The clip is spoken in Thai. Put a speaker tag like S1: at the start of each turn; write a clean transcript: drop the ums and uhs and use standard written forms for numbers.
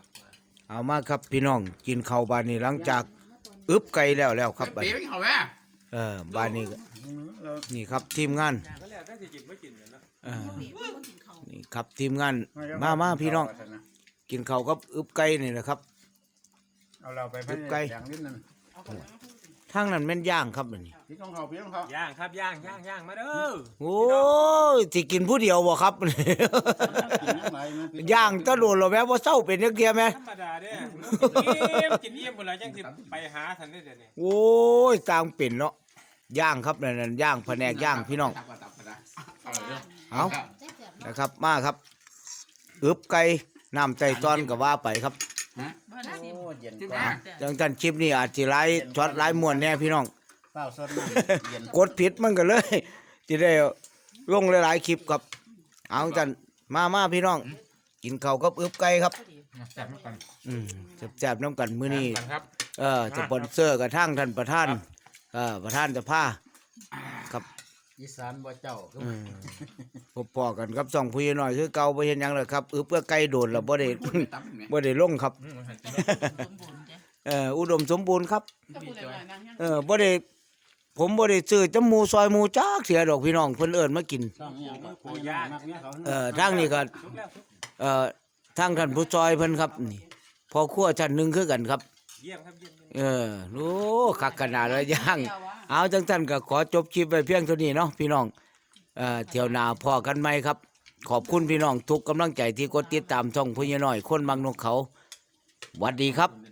S1: เอามาครับพี่น้องกินข้าวบานนี้หลังจากอึบไก่แล้วครับบาน
S2: เป๊ะเขาแม่
S1: บานนี้นี่ครับทีมงานนี่ครับทีมงานมาพี่น้องกินข้าวกับอึบไก่นี่แหละครับ
S3: เอาเราไปพันอย่างนิดนึง
S1: ทางนั้นแม่นย่างครับนี่
S3: พี่ของเขาพี่ของเขา
S4: ย่างครับย่างมาเด้อ
S1: โอ้ยสิกินผู้เดียวบ่ครับ
S3: กินยังไงนะ
S1: ย่างตะโดนแล้วแม่บ่เศร้าเป็นจักเที่ยแม่
S4: ธรรมดาเด้กินเยี่ยมหมดแล้วจังสิไปหาทันได้เดี๋ยวนี้
S1: โอ้ยต่างเป็นเนาะย่างครับนั่นย่างแผนกย่างพี่น้องเอานะครับมาครับอึบไก่น้ำไต่ตอนก็ว่าไปครับ
S3: โอ้เย็น
S2: ที่
S3: ก
S2: แม่
S3: ว่า
S1: จังจันคลิปนี้อาจสิหลายช็อตหลายม่วนแน่พี่น้อง
S3: เปล่าสดน้ำเย็น
S1: กดผิดมันก็เลยจะได้ลงหลายๆคลิปครับเอาจันมาพี่น้อง กินข้าวกับอึบไก่ครับ
S2: แซ่บมากกัน
S1: แซ่บๆน้ำกันมื้อนี้
S2: ครับ
S1: สปอนเซอร์กับทางท่านประธานประธานจะพาครับ
S3: อีสานบ่เจ้า
S1: พบพอกันครับสองพี่น้อยคือเก่าบ่เห็นหยังเลยครับอึบเพื่อไก่โดดแล้วบ่ได้ บ่ได้ลงครับอุดมสมบูรณ์ครับบ่ได้ผมบ่ได้ซื้อจมูซอยหมูจักเสียดอกพี่น้องเพิ่นเอิ้นมากิน
S3: ต้องอย่างก็โอ้ยากเนี่ยเขา
S1: ทางนี้ก็ทางท่านผู้ซอยเพิ่นครับนี่พอครัวชั้นหนึงคือกันครับ
S4: เยี่ยมครับเยี่ยม
S1: โอ้คักขนาดเลยย่างเอาจังซั่นก็ขอจบคลิปไว้เพียงเท่านี้เนาะพี่น้องเที่ยวหน้าพอกันใหม่ครับขอบคุณพี่น้องทุกกำลังใจที่กดติดตามช่องพญาน้อยคนบางนกเขาหวัดดีครับ